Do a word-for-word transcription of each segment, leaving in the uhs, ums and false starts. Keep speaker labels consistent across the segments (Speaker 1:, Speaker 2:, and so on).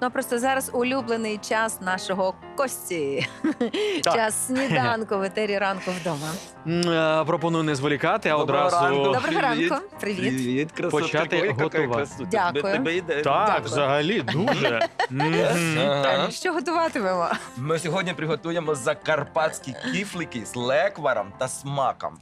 Speaker 1: Ну, просто зараз улюблений час нашого Кості. Час сніданку в етері ранку вдома.
Speaker 2: М, е, Пропоную не зволікати, а
Speaker 3: Доброго
Speaker 2: одразу
Speaker 3: ранку.
Speaker 1: Доброго
Speaker 3: Привіт.
Speaker 1: ранку. Привіт.
Speaker 3: Привіт, красотка.
Speaker 2: Почати
Speaker 3: Ой, яка
Speaker 2: готувати.
Speaker 3: красота.
Speaker 1: Дякую.
Speaker 3: Тебе, тебе йде.
Speaker 2: Так,
Speaker 1: Дякую.
Speaker 2: взагалі, дуже. Мгм.
Speaker 3: Ага.
Speaker 1: Що готуватимемо?
Speaker 3: Ми сьогодні приготуємо закарпатські кіфлики з лекваром та смаком.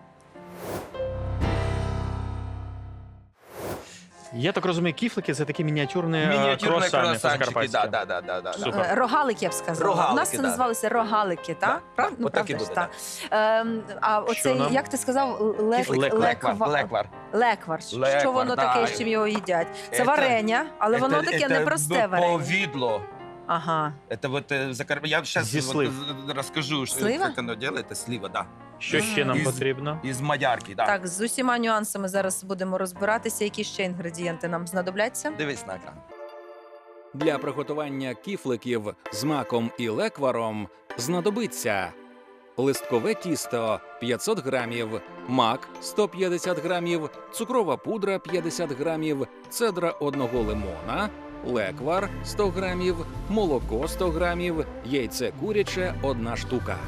Speaker 2: Я так розумію, кіфлики це такі мініатюрні, е,
Speaker 3: Мініатюрні
Speaker 2: круасани
Speaker 3: круасанчики,
Speaker 2: закарпатські.
Speaker 3: да, да, да, да, да.
Speaker 2: Супер.
Speaker 1: Е, Рогалики, я б сказала.
Speaker 3: Рогалики,
Speaker 1: У нас це
Speaker 3: да.
Speaker 1: називалося рогалики, так?
Speaker 3: Да,
Speaker 1: Прав?
Speaker 3: да.
Speaker 1: Ну,
Speaker 3: Отак і
Speaker 1: правда ж,
Speaker 3: буде,
Speaker 1: так. Ем, а оцей,
Speaker 2: нам?
Speaker 1: як ти сказав, лек...
Speaker 3: Кіфлик, леквар,
Speaker 1: леква-
Speaker 3: леквар.
Speaker 1: Леквар. Що
Speaker 3: Леквар,
Speaker 1: воно
Speaker 3: да.
Speaker 1: таке, з чим його їдять? Це
Speaker 3: Це-
Speaker 1: варення, але воно
Speaker 3: Это-
Speaker 1: таке
Speaker 3: это
Speaker 1: непросте варення.
Speaker 3: повидло.
Speaker 1: Ага.
Speaker 3: Это вот э, закар... Я сейчас
Speaker 2: Зі слив.
Speaker 3: расскажу, что,
Speaker 1: Слива?
Speaker 3: как оно делает. Это слива, да.
Speaker 2: Що ще нам
Speaker 3: Із-
Speaker 2: потрібно?
Speaker 3: Из мадярки, да.
Speaker 1: Так, з усіма нюансами зараз будемо розбиратися, які ще інгредієнти нам знадобляться.
Speaker 3: Дивись на екран.
Speaker 4: Для приготування кіфликів з маком і лекваром знадобиться листкове тісто п'ятсот грамів, мак сто п'ятдесят грамів, цукрова пудра п'ятдесят грамів, цедра одного лимона, леквар сто грамів, молоко сто грамів, яйце куряче одна штука.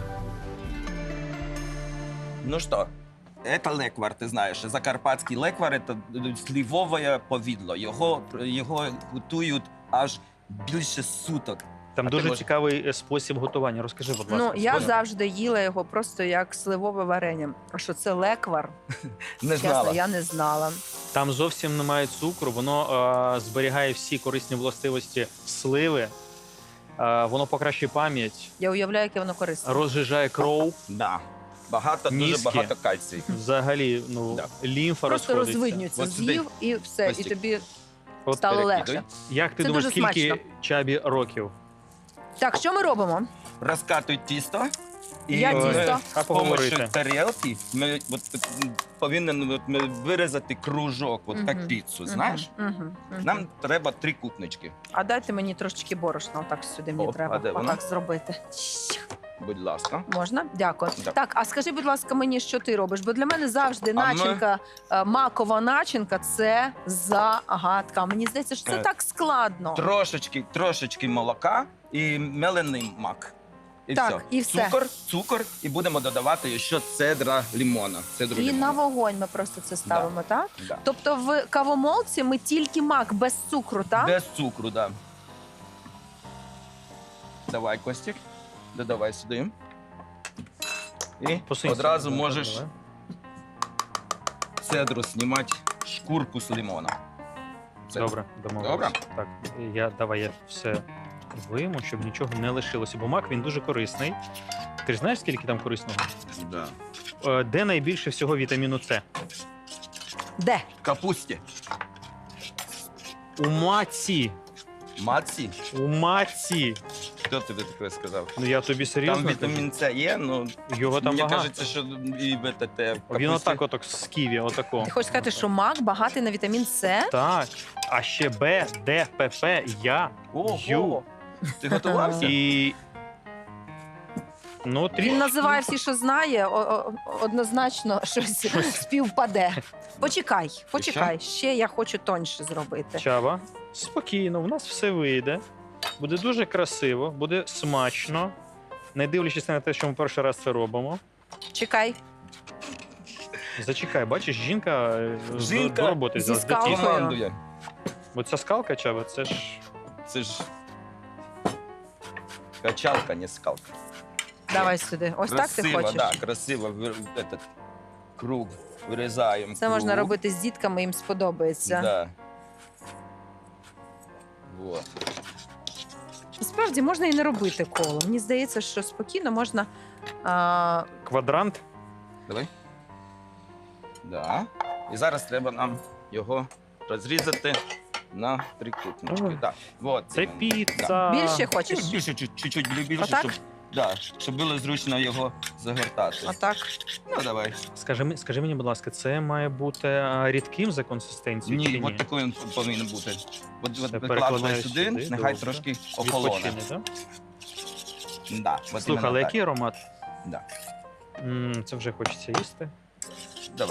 Speaker 3: Ну что, это леквар, ти знаєш. Закарпатський леквар – это сливове повідло. Його, його готують аж більше суток.
Speaker 2: Там
Speaker 3: А ти
Speaker 2: дуже
Speaker 3: можеш-
Speaker 2: цікавий е, спосіб готування. Розкажи, будь ласка.
Speaker 1: Ну, я
Speaker 3: Понял.
Speaker 1: завжди їла його просто як сливове варення. А що це леквар?
Speaker 3: Не
Speaker 1: Чесно,
Speaker 3: знала.
Speaker 1: я не знала.
Speaker 2: Там зовсім немає цукру, воно е, зберігає всі корисні властивості сливи, е, воно покращує пам'ять,
Speaker 1: Я уявляю, яке воно корисне.
Speaker 2: розжижає кров,
Speaker 3: Да. Багато, дуже
Speaker 2: Мізки.
Speaker 3: багато кальцію.
Speaker 2: взагалі ну,
Speaker 3: Да.
Speaker 2: лімфа
Speaker 1: Просто
Speaker 2: розходиться.
Speaker 1: розвиднюється,
Speaker 3: От сюди.
Speaker 1: з'їв і все, і
Speaker 3: Костік.
Speaker 1: тобі
Speaker 2: От
Speaker 1: стало
Speaker 3: перекидуй.
Speaker 1: легше.
Speaker 2: Як ти
Speaker 1: Це
Speaker 2: думаєш,
Speaker 1: дуже
Speaker 2: скільки
Speaker 1: смачно.
Speaker 2: Чабі років?
Speaker 1: Так, що ми робимо?
Speaker 3: Розкатуй тісто. І
Speaker 1: Я
Speaker 3: ми
Speaker 1: тісто.
Speaker 2: А
Speaker 3: з допомогою
Speaker 2: поговорити?
Speaker 3: тарілки ми от, м, повинні от, ми вирізати кружок, от, як
Speaker 1: Мгм.
Speaker 3: піцу, знаєш?
Speaker 1: Мгм, мгм, мгм.
Speaker 3: Нам треба три кутнички,
Speaker 1: А дайте мені трошечки борошна, отак сюди мені
Speaker 3: О,
Speaker 1: треба
Speaker 3: а де воно?
Speaker 1: отак зробити.
Speaker 3: будь ласка.
Speaker 1: Можна? Дякую.
Speaker 3: Так.
Speaker 1: Так, а скажи, будь ласка, мені, що ти робиш? Бо для мене завжди
Speaker 3: ми-
Speaker 1: начинка, е, макова начинка це загадка. Мені здається, що це
Speaker 3: Е,
Speaker 1: так складно.
Speaker 3: Трошечки, трошечки молока і мелений мак. І
Speaker 1: Так,
Speaker 3: все.
Speaker 1: і все.
Speaker 3: Цукор, цукор, і будемо додавати ще цедра лимона. Цедру
Speaker 1: І
Speaker 3: лимона.
Speaker 1: на вогонь ми просто це ставимо, так?
Speaker 3: Да.
Speaker 1: Тобто в кавомолці ми тільки мак без цукру, так?
Speaker 3: Без цукру, да. Давай, Костік, додавай сюди. І
Speaker 2: Посунься.
Speaker 3: одразу
Speaker 2: Давай,
Speaker 3: можеш
Speaker 2: давай.
Speaker 3: цедру знімати шкурку з лимона. Це-
Speaker 2: Добре, домовились.
Speaker 3: Добре?
Speaker 2: Так, я, давай я все вийму, щоб нічого не лишилося. Бо мак, він дуже корисний. Ти ж знаєш, скільки там корисного?
Speaker 3: Да.
Speaker 2: Е, Де найбільше всього вітаміну С?
Speaker 1: Де?
Speaker 3: Капусті.
Speaker 2: У маці.
Speaker 3: Маці.
Speaker 2: У маці.
Speaker 3: Хто тобі таке сказав?
Speaker 2: Ну я тобі серйозно
Speaker 3: Там
Speaker 2: кажу.
Speaker 3: вітамін С є, ну
Speaker 2: Його там
Speaker 3: мені
Speaker 2: багато.
Speaker 3: кажеться, що і в те, те, в
Speaker 2: Він
Speaker 3: капусті.
Speaker 2: отак отак з ківі, отако.
Speaker 1: Ти хочеш сказати, що мак багатий на вітамін С?
Speaker 2: Так. А ще Б, Д, П, П, Я, Ю.
Speaker 3: Ого! Ти готувався?
Speaker 2: І... Ну, трішки.
Speaker 1: Він називає всі, що знає, о- о- однозначно щось співпаде. Почекай, почекай. Ще я хочу тоньше зробити.
Speaker 2: Чаба, спокійно, в нас все вийде. Буде дуже красиво, буде смачно. Не дивлячись на те, що ми перший раз це робимо.
Speaker 1: Чекай.
Speaker 2: Зачекай, бачиш, жінка, е, з-
Speaker 3: Жінка
Speaker 2: до роботи
Speaker 1: зі
Speaker 2: взялась, до
Speaker 1: скалкою.
Speaker 2: тіста.
Speaker 3: Командує.
Speaker 2: Бо ця скалка, Чаба, це ж
Speaker 3: Це ж качалка, не скалка.
Speaker 1: Давай сюди. Ось так ти
Speaker 3: Красиво,
Speaker 1: хочеш?
Speaker 3: да, красиво вир- этот круг вирізаємо.
Speaker 1: Це можна робити з дітками, їм сподобається.
Speaker 3: Да. Вот.
Speaker 1: Насправді можна і не робити коло. Мені здається, що спокійно можна. А,
Speaker 2: квадрант.
Speaker 3: Давай. Да. І зараз треба нам його розрізати на трикутнички.
Speaker 2: Ой.
Speaker 3: Да. Вот,
Speaker 2: Це
Speaker 3: іменно.
Speaker 2: піца.
Speaker 1: більше
Speaker 3: Да.
Speaker 1: хочеш?
Speaker 3: Більше, чуть- чуть-чуть більше,
Speaker 1: Отак?
Speaker 3: щоб, да, щоб було зручно його загортати.
Speaker 1: Отак.
Speaker 3: Ну, давай.
Speaker 2: Скажи, мені- скажи мені, будь ласка, це має бути а, рідким за консистенцією чи
Speaker 3: Ні,
Speaker 2: ні?
Speaker 3: от такий він повинен бути. От, от
Speaker 2: Це
Speaker 3: викладай
Speaker 2: перекладаю
Speaker 3: сюди,
Speaker 2: сюди,
Speaker 3: нехай
Speaker 2: добре.
Speaker 3: трошки охолоне.
Speaker 2: Відпочине, так?
Speaker 3: Да, от
Speaker 2: Слухай,
Speaker 3: іменно
Speaker 2: але
Speaker 3: так.
Speaker 2: який аромат?
Speaker 3: Да.
Speaker 2: М, це вже хочеться їсти.
Speaker 3: Давай.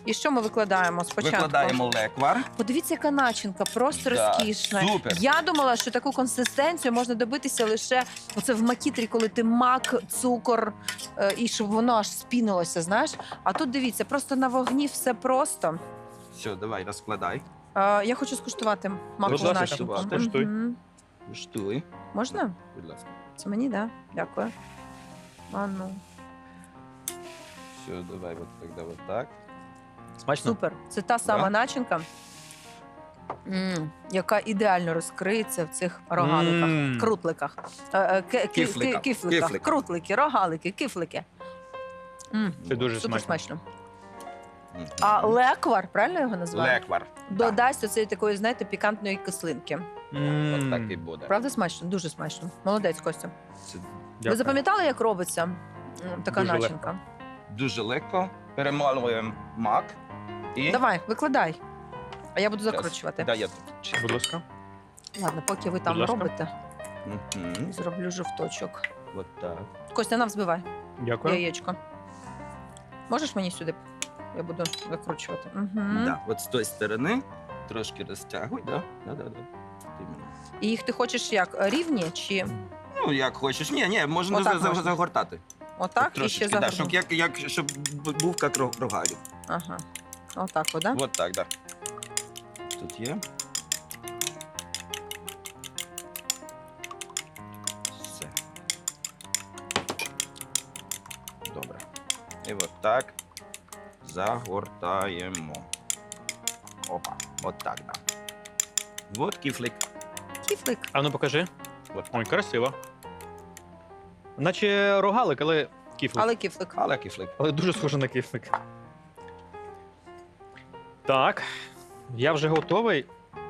Speaker 1: І що ми викладаємо спочатку?
Speaker 3: Викладаємо леквар.
Speaker 1: Подивіться, яка начинка, просто
Speaker 3: Да,
Speaker 1: розкішна.
Speaker 3: супер.
Speaker 1: Я думала, що таку консистенцію можна добитися лише оце в макітрі, коли ти мак, цукор, е, і щоб воно аж спінилося, знаєш. А тут дивіться, просто на вогні все просто.
Speaker 3: Все, давай, розкладай.
Speaker 1: Е, я хочу скуштувати макову
Speaker 2: ласка,
Speaker 1: начинку.
Speaker 2: скуштуй.
Speaker 1: Мгм.
Speaker 3: Штуй.
Speaker 1: Можна?
Speaker 3: Будь ласка.
Speaker 1: Це мені, так? Да? Дякую. А ну.
Speaker 3: Все, давай, вот тогда вот так.
Speaker 2: Смачно?
Speaker 1: Супер. Це та сама
Speaker 3: Да?
Speaker 1: начинка, м, яка ідеально розкриється в цих рогаликах,
Speaker 2: М.
Speaker 1: крутликах. Е, е, ки- ки-
Speaker 3: Кифликах.
Speaker 1: ки- Кифликах.
Speaker 3: Кифликах.
Speaker 1: Крутлики, рогалики, кифлики. М,
Speaker 2: Це дуже
Speaker 1: Супер
Speaker 2: смачно.
Speaker 1: смачно.
Speaker 3: Мгм.
Speaker 1: А леквар, правильно його називають?
Speaker 3: Леквар.
Speaker 1: Додасть оцеї такої, знаєте, пікантної кислинки.
Speaker 2: М.
Speaker 3: От так і буде.
Speaker 1: Правда, смачно? Дуже смачно. Молодець, Костя.
Speaker 3: Це
Speaker 1: Ви
Speaker 2: Дякую.
Speaker 1: запам'ятали, як робиться м, така
Speaker 2: Дуже
Speaker 1: начинка?
Speaker 3: дуже легко. Перемалуємо мак. І...
Speaker 1: Давай, викладай. А я буду
Speaker 3: Щас.
Speaker 1: закручувати.
Speaker 3: Да, я тут.
Speaker 2: Будь ласка.
Speaker 1: Ладно, поки ви там
Speaker 2: ласка.
Speaker 1: робите,
Speaker 3: Мгм.
Speaker 1: зроблю жовточок.
Speaker 3: Вот так.
Speaker 1: Костя, нам взбивай
Speaker 2: Дякую.
Speaker 1: яєчко. Можеш мені сюди? Я буду закручувати. Угу.
Speaker 3: Да. От з тої сторони трошки розтягуй, да? Да, да, да. Іменно.
Speaker 1: І їх ти хочеш як? Рівні чи
Speaker 3: Ну, як хочеш. Ні, ні, можна
Speaker 1: Отак
Speaker 3: за- за-
Speaker 1: можна?
Speaker 3: загортати.
Speaker 1: отак і ще
Speaker 3: Трошечки, да,
Speaker 1: загорну?
Speaker 3: щоб, як, як, щоб б- був як ро- рогалів.
Speaker 1: Ага. Отак, о, да?
Speaker 3: От так, да. Тут є. Все. Добре. І от так загортаємо. Опа. От так, да. От кіфлик.
Speaker 1: Кіфлик.
Speaker 2: А ну покажи.
Speaker 3: От.
Speaker 2: Ой, красиво. Наче рогалик, але кіфлик.
Speaker 1: Але кіфлик.
Speaker 3: Але кіфлик.
Speaker 2: Але дуже схоже на кіфлик. Так, я вже готовий.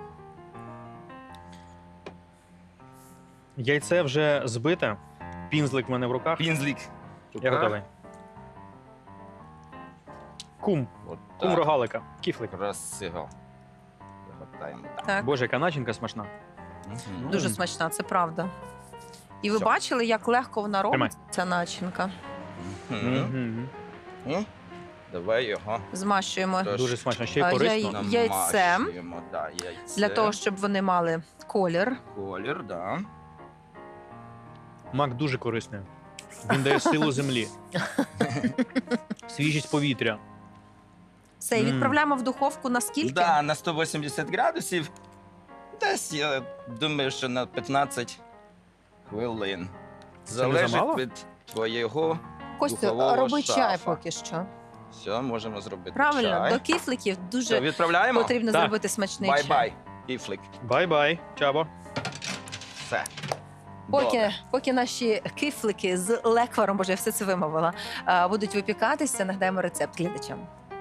Speaker 2: Яйце вже збите. Пінзлик в мене в руках.
Speaker 3: Пінзлік.
Speaker 2: Я готовий. Кум.
Speaker 3: От
Speaker 2: Кум
Speaker 3: так.
Speaker 2: рогалика. Кіфлик.
Speaker 3: Красиво. Загортаємо так.
Speaker 1: Так.
Speaker 2: Боже, яка начинка смачна.
Speaker 3: Мгм.
Speaker 1: Дуже смачна, це правда. І ви
Speaker 3: Всьо.
Speaker 1: бачили, як легко вона робить,
Speaker 2: Тримай.
Speaker 1: ця начинка.
Speaker 3: Мгм.
Speaker 2: Мгм.
Speaker 3: М? Давай його
Speaker 1: Змащуємо
Speaker 3: Тож,
Speaker 2: Дуже смачно. Ще й
Speaker 1: А,
Speaker 2: корисно.
Speaker 1: яй- Яйцем.
Speaker 3: намащуємо, да, яйце.
Speaker 1: для того, щоб вони мали колір.
Speaker 3: Колір, да.
Speaker 2: Мак дуже корисний. Він дає силу землі. Свіжість повітря.
Speaker 1: Все, і
Speaker 2: Мм.
Speaker 1: відправляємо в духовку на скільки?
Speaker 3: Да, на сто вісімдесят градусів. Десь, я думаю, що на п'ятнадцять хвилин. Залежить
Speaker 2: замало?
Speaker 3: від твоєго.
Speaker 1: Костю,
Speaker 3: духового
Speaker 1: роби
Speaker 3: шафа.
Speaker 1: чай поки що.
Speaker 3: Все, можемо зробити
Speaker 1: Правильно,
Speaker 3: чай.
Speaker 1: до кіфликів
Speaker 3: Все,
Speaker 1: дуже
Speaker 3: відправляємо?
Speaker 1: потрібно
Speaker 2: Так.
Speaker 1: зробити смачний чай.
Speaker 3: Бай-бай, кіфлик.
Speaker 2: Бай-бай, чабо.
Speaker 3: Все.
Speaker 1: Поки,
Speaker 3: Добре.
Speaker 1: поки наші кифлики з лекваром, боже, я все це вимовила, а, будуть випікатися, нагадаємо рецепт глядачам.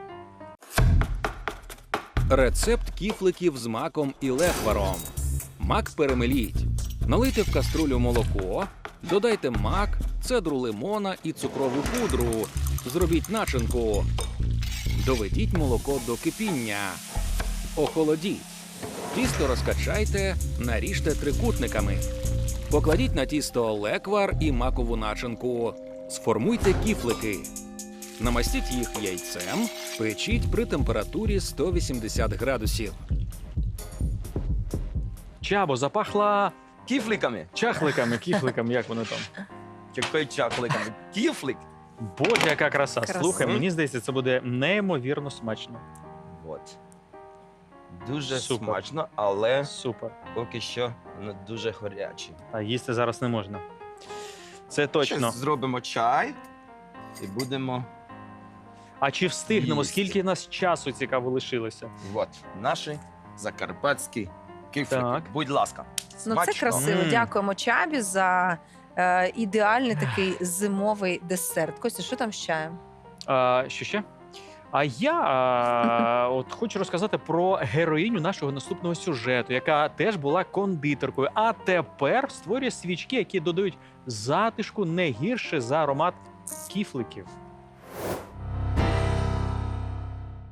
Speaker 4: Рецепт кіфликів з маком і лекваром. Мак перемеліть. Налийте в каструлю молоко, додайте мак, цедру лимона і цукрову пудру. Зробіть начинку. Доведіть молоко до кипіння. Охолодіть. Тісто розкачайте, наріжте трикутниками. Покладіть на тісто леквар і макову начинку. Сформуйте кіфлики. Намастіть їх яйцем, печіть при температурі сто вісімдесят градусів.
Speaker 2: Чабо, запахла
Speaker 3: Кіфликами.
Speaker 2: чахликами, кіфликами, як вони там.
Speaker 3: Який чакликами? Кіфлик.
Speaker 2: Боже, яка краса.
Speaker 1: Краса.
Speaker 2: Слухай, мені здається, це буде неймовірно смачно.
Speaker 3: От. Дуже
Speaker 2: Супер.
Speaker 3: смачно, але
Speaker 2: Супер.
Speaker 3: поки що не дуже гарячі.
Speaker 2: А їсти зараз не можна. Це точно.
Speaker 3: Щас зробимо чай і будемо.
Speaker 2: А чи встигнемо?
Speaker 3: Їсти.
Speaker 2: Скільки нас часу цікаво лишилося?
Speaker 3: От наші закарпатські кіфлики.
Speaker 2: Так.
Speaker 3: Будь ласка.
Speaker 1: Ну, це
Speaker 3: Смачно.
Speaker 1: красиво.
Speaker 2: Мм.
Speaker 1: Дякуємо Чабі за е, ідеальний такий зимовий десерт. Костя, що там з чаєм?
Speaker 2: А, що ще? А я а, от хочу розказати про героїню нашого наступного сюжету, яка теж була кондитеркою, а тепер створює свічки, які додають затишку не гірше за аромат кіфликів.